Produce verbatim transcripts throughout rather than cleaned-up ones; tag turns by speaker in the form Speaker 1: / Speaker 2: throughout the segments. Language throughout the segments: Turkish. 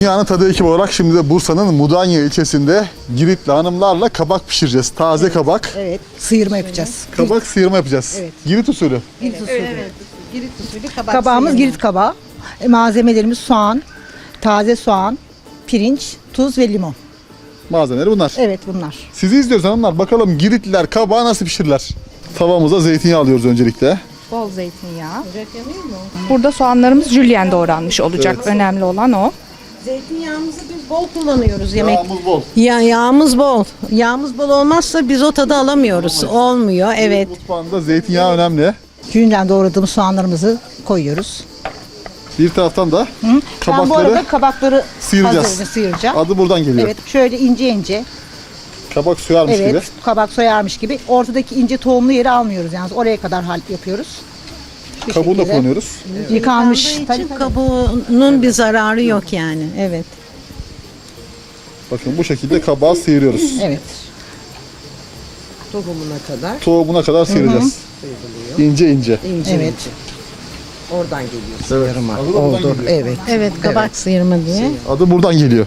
Speaker 1: Dünyanın tadı ekibi olarak şimdi de Bursa'nın Mudanya ilçesinde Giritli hanımlarla kabak pişireceğiz. Taze
Speaker 2: evet,
Speaker 1: kabak.
Speaker 2: Evet, sıyırma yapacağız.
Speaker 1: Kabak sıyırma yapacağız.
Speaker 2: Evet.
Speaker 1: Girit usulü.
Speaker 2: Girit usulü.
Speaker 3: Evet, evet. Girit usulü kabak
Speaker 2: Kabağımız
Speaker 3: sıyırma.
Speaker 2: Girit kabağı. E, malzemelerimiz soğan, taze soğan, pirinç, tuz ve limon.
Speaker 1: Malzemeleri bunlar.
Speaker 2: Evet bunlar.
Speaker 1: Sizi izliyoruz hanımlar. Bakalım Giritliler kabağı nasıl pişirirler? Tavamıza zeytinyağı alıyoruz öncelikle.
Speaker 4: Bol zeytinyağı. Burada soğanlarımız jülyen doğranmış olacak.
Speaker 1: Evet.
Speaker 4: Önemli olan o.
Speaker 3: Zeytinyağımızı biz bol kullanıyoruz yemek.
Speaker 1: Yağımız bol.
Speaker 3: Ya yağımız bol. Yağımız bol olmazsa biz o tadı alamıyoruz. Olmuyor. Evet.
Speaker 1: Mutfağında zeytinyağı önemli.
Speaker 2: Jülyen doğradığımız soğanlarımızı koyuyoruz.
Speaker 1: Bir taraftan da
Speaker 2: Hı? Ben bu
Speaker 1: kabakları
Speaker 2: arada kabakları
Speaker 1: sıyıracağız.
Speaker 2: hazırını sıyıracağım.
Speaker 1: Adı buradan geliyor.
Speaker 2: Evet, şöyle ince ince.
Speaker 1: Kabak soyarmış
Speaker 2: Evet,
Speaker 1: gibi.
Speaker 2: kabak soyarmış gibi. Ortadaki ince tohumlu yeri almıyoruz yalnız. Oraya kadar hal yapıyoruz. Şu
Speaker 1: Kabuğunu da
Speaker 2: şekilde.
Speaker 1: kullanıyoruz.
Speaker 2: Yıkanmış.
Speaker 3: Yıkandığı
Speaker 2: Tabii,
Speaker 3: için
Speaker 2: tabii.
Speaker 3: kabuğunun bir zararı yok yani. Evet.
Speaker 1: Bakın bu şekilde kabağı sıyırıyoruz.
Speaker 2: Evet.
Speaker 5: Tohumuna kadar
Speaker 1: Tohumuna kadar sıyıracağız. İnce ince.
Speaker 5: ince
Speaker 2: Evet.
Speaker 5: ince. Oradan geliyor
Speaker 1: Evet.
Speaker 5: sıyırma.
Speaker 1: Adı da buradan
Speaker 5: Oldu.
Speaker 1: geliyor.
Speaker 5: Evet.
Speaker 3: Evet, kabak sıyırma diye.
Speaker 1: Adı buradan geliyor.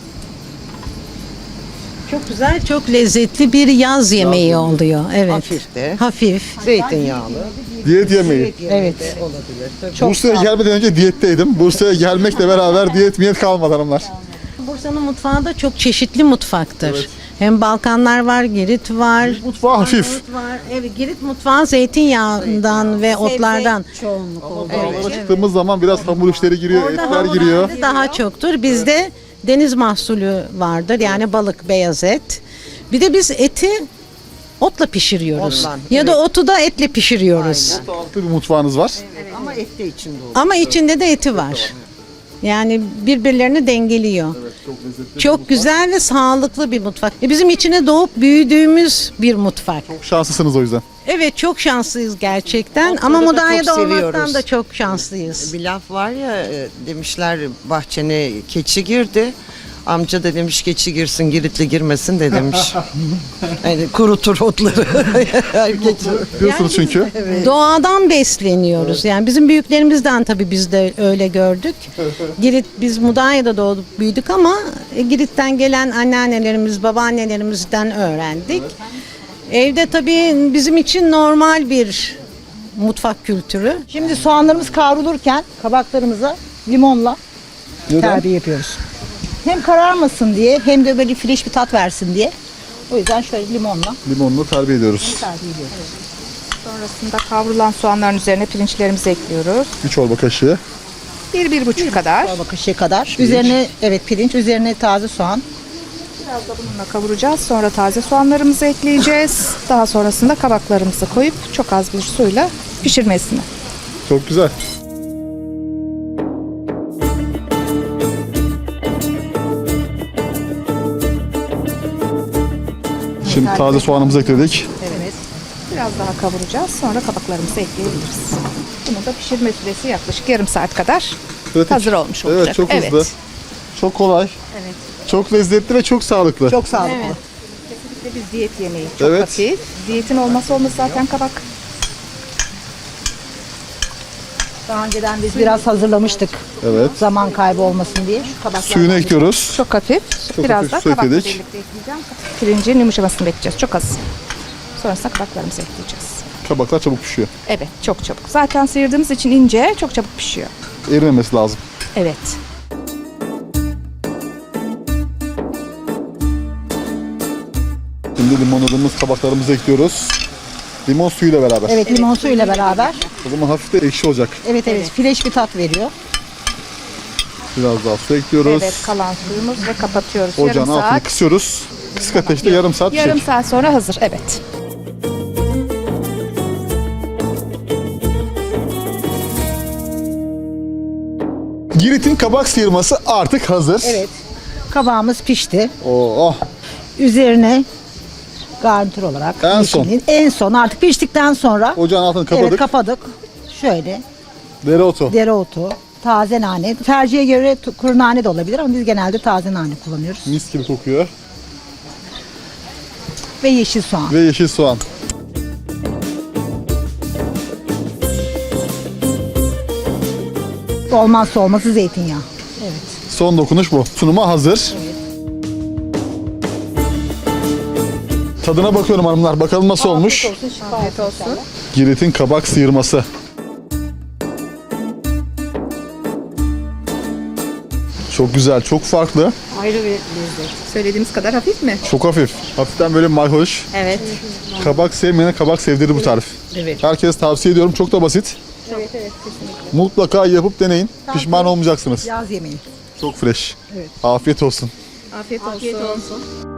Speaker 3: Çok güzel, çok lezzetli bir yaz yemeği oluyor. Evet.
Speaker 5: Hafif de.
Speaker 3: Hafif.
Speaker 5: Zeytinyağlı.
Speaker 1: Diyet yemeği.
Speaker 2: Evet.
Speaker 5: Olabilir. Tabii.
Speaker 2: Çok
Speaker 1: Bursa'ya gelmeden önce diyetteydim. Bursa'ya gelmekle beraber diyet miyet kalmadı hanımlar.
Speaker 3: Bursa'nın mutfağı da çok çeşitli mutfaktır. Hem Balkanlar var, Girit var.
Speaker 1: Mutfağı hafif.
Speaker 3: Girit var. Evet, Girit mutfağı zeytinyağından ve otlardan.
Speaker 2: Çoğunluk oldu.
Speaker 1: Dağlara çıktığımız zaman biraz hamur işleri giriyor,
Speaker 3: Orada
Speaker 1: etler giriyor.
Speaker 3: hamurlarda daha çoktur. Bizde deniz mahsulü vardır. Yani balık, beyaz et. Bir de biz eti otla pişiriyoruz.
Speaker 5: Otla,
Speaker 3: Ya da otu da etle pişiriyoruz.
Speaker 1: Sağlıklı bir mutfağınız var.
Speaker 5: Ama et de içinde olur.
Speaker 3: Ama içinde de eti var. Yani birbirlerini dengeliyor.
Speaker 1: Çok lezzetli.
Speaker 3: Çok güzel ve sağlıklı bir mutfak. E, Bizim içine doğup büyüdüğümüz bir mutfak.
Speaker 1: Çok şanslısınız o yüzden.
Speaker 3: Evet, çok şanslıyız gerçekten.
Speaker 5: Otları
Speaker 3: Ama
Speaker 5: da
Speaker 3: Mudanya'da
Speaker 5: çok
Speaker 3: olmaktan
Speaker 5: seviyoruz.
Speaker 3: da çok şanslıyız.
Speaker 5: Bir laf var ya e, demişler bahçene keçi girdi. Amca da demiş keçi girsin Giritli girmesin de demiş. Yani kurutur otları. Keçi.
Speaker 1: Diyorsunuz çünkü.
Speaker 3: Doğadan besleniyoruz. Yani bizim büyüklerimizden tabii biz de öyle gördük. Girit, biz Mudanya'da doğduk büyüdük ama e, Girit'ten gelen anneannelerimiz, babaannelerimizden öğrendik. Evde tabii bizim için normal bir mutfak kültürü.
Speaker 2: Şimdi soğanlarımız kavrulurken kabaklarımıza limonla
Speaker 1: Neden?
Speaker 2: terbiye yapıyoruz. Hem kararmasın diye hem de böyle fresh bir tat versin diye. O yüzden şöyle limonla
Speaker 1: Limonla terbiye ediyoruz.
Speaker 2: terbiye ediyoruz.
Speaker 4: Sonrasında kavrulan soğanların üzerine pirinçlerimizi ekliyoruz.
Speaker 1: Bir çorba kaşığı.
Speaker 4: Bir, bir buçuk kadar.
Speaker 2: Çorba kaşığı kadar. Üzerine evet pirinç, üzerine taze soğan.
Speaker 4: Biraz da bununla kavuracağız. Sonra taze soğanlarımızı ekleyeceğiz. Daha sonrasında kabaklarımızı koyup çok az bir suyla pişirmesini.
Speaker 1: Çok güzel. Şimdi taze soğanımızı ekledik.
Speaker 4: Evet. Biraz daha kavuracağız. Sonra kabaklarımızı ekleyebiliriz. Bunu da pişirme süresi yaklaşık yarım saat kadar
Speaker 1: Pratik.
Speaker 4: hazır olmuş olacak.
Speaker 1: Evet, çok hızlı. Çok kolay.
Speaker 4: Evet.
Speaker 1: Çok lezzetli ve çok sağlıklı.
Speaker 2: Çok sağlıklı.
Speaker 4: Evet. Kesinlikle biz diyet yemeği. Çok
Speaker 1: Evet.
Speaker 4: hafif. Diyetin olmazsa olmaz zaten kabak.
Speaker 2: Daha önceden biz biraz hazırlamıştık.
Speaker 1: Evet.
Speaker 2: Zaman kaybı olmasın diye. Şu kabaklar.
Speaker 1: Suyunu ekliyoruz.
Speaker 4: Çok hafif.
Speaker 1: Çok
Speaker 4: Biraz
Speaker 1: hafif
Speaker 4: da
Speaker 1: su
Speaker 4: kabakla
Speaker 1: ekledik.
Speaker 4: birlikte ekleyeceğim. Pirincin yumuşamasını bekleyeceğiz. Çok az. Sonrasında kabaklarımızı ekleyeceğiz.
Speaker 1: Kabaklar çabuk pişiyor.
Speaker 4: Evet, çok çabuk. Zaten sıyırdığımız için ince, çok çabuk pişiyor.
Speaker 1: Erimemesi lazım.
Speaker 4: Evet.
Speaker 1: Şimdi limonladığımız kabaklarımızı ekliyoruz. Limon suyuyla beraber.
Speaker 2: Evet, limon suyuyla beraber.
Speaker 1: O zaman hafif de ekşi olacak.
Speaker 2: Evet evet, fresh bir tat veriyor.
Speaker 1: Biraz daha su ekliyoruz.
Speaker 4: Evet, kalan suyumuz ve kapatıyoruz.
Speaker 1: Ocağın
Speaker 4: yarım
Speaker 1: altını
Speaker 4: saat.
Speaker 1: kısıyoruz. Kısık ateşte yarım saat
Speaker 4: Yarım
Speaker 1: pişecek.
Speaker 4: saat sonra hazır. Evet.
Speaker 1: Girit'in kabak sıyırması artık hazır.
Speaker 2: Evet. Kabağımız pişti.
Speaker 1: Oo, oh.
Speaker 2: Üzerine garnitür olarak
Speaker 1: En son.
Speaker 2: yeşilliğin- en son artık piştikten sonra
Speaker 1: Ocağın altını kapadık.
Speaker 2: evet kapadık. Şöyle
Speaker 1: Dereotu.
Speaker 2: dereotu, taze nane. Tercihe göre tu- kuru nane de olabilir ama biz genelde taze nane kullanıyoruz.
Speaker 1: Mis gibi kokuyor.
Speaker 2: Ve yeşil soğan.
Speaker 1: Ve yeşil soğan.
Speaker 2: Olmazsa olmazı zeytinyağı. Evet.
Speaker 1: Son dokunuş bu. Sunuma hazır. Tadına bakıyorum hanımlar. Bakalım nasıl olmuş.
Speaker 4: Afiyet olsun.
Speaker 1: Girit'in kabak sıyırması. Çok güzel, çok farklı.
Speaker 2: Ayrı bir lezzet.
Speaker 4: Söylediğimiz kadar hafif mi?
Speaker 1: Çok hafif. Hafiften böyle mayhoş.
Speaker 2: Evet.
Speaker 1: Kabak sevmeyene kabak sevdirir bu tarif.
Speaker 2: Evet.
Speaker 1: Herkes tavsiye ediyorum. Çok da basit.
Speaker 4: Evet evet kesinlikle.
Speaker 1: Mutlaka yapıp deneyin. Pişman olmayacaksınız.
Speaker 2: Yaz yemeği.
Speaker 1: Çok fresh. Afiyet olsun.
Speaker 4: Afiyet olsun.
Speaker 2: Afiyet olsun.